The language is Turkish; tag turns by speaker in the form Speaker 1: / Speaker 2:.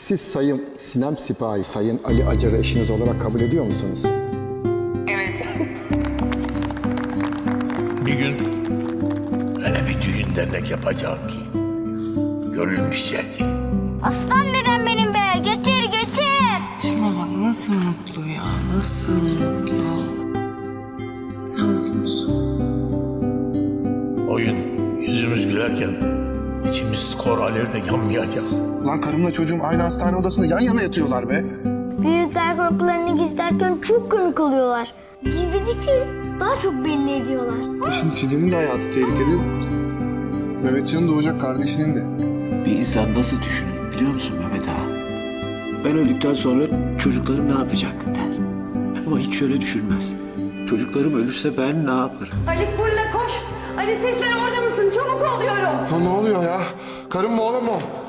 Speaker 1: Siz Sayın Sinem Sipahi, Sayın Ali Acar'ı eşiniz olarak kabul ediyor musunuz?
Speaker 2: Evet.
Speaker 3: Bir gün öyle bir düğün dernek yapacağım ki görülmeyecekti.
Speaker 4: Aslan dedem benim be. Getir getir.
Speaker 2: Şuna bak nasıl mutlu ya, nasıl mutlu. Sen mutlu musun?
Speaker 3: O gün yüzümüz gülerken içimiz kor alevde yanmayacak.
Speaker 5: Lan karımla çocuğum aynı hastane odasında yan yana yatıyorlar be.
Speaker 4: Büyükler korkularını gizlerken çok komik oluyorlar. Gizledikçe daha çok belli ediyorlar.
Speaker 5: Şimdi Sidem'in de hayatı tehlikede. Mehmetcan'ın doğacak kardeşinin de.
Speaker 6: Bir insan nasıl düşünür biliyor musun Mehmet ağa? Ben öldükten sonra çocuklarım ne yapacak der. Ama hiç şöyle düşünmez. Çocuklarım ölürse ben ne yaparım?
Speaker 7: Ali fırla koş. Ali Seçmen orada mısın? Çabuk oluyorum.
Speaker 5: Lan ne oluyor ya? Karım mı oğlum mu?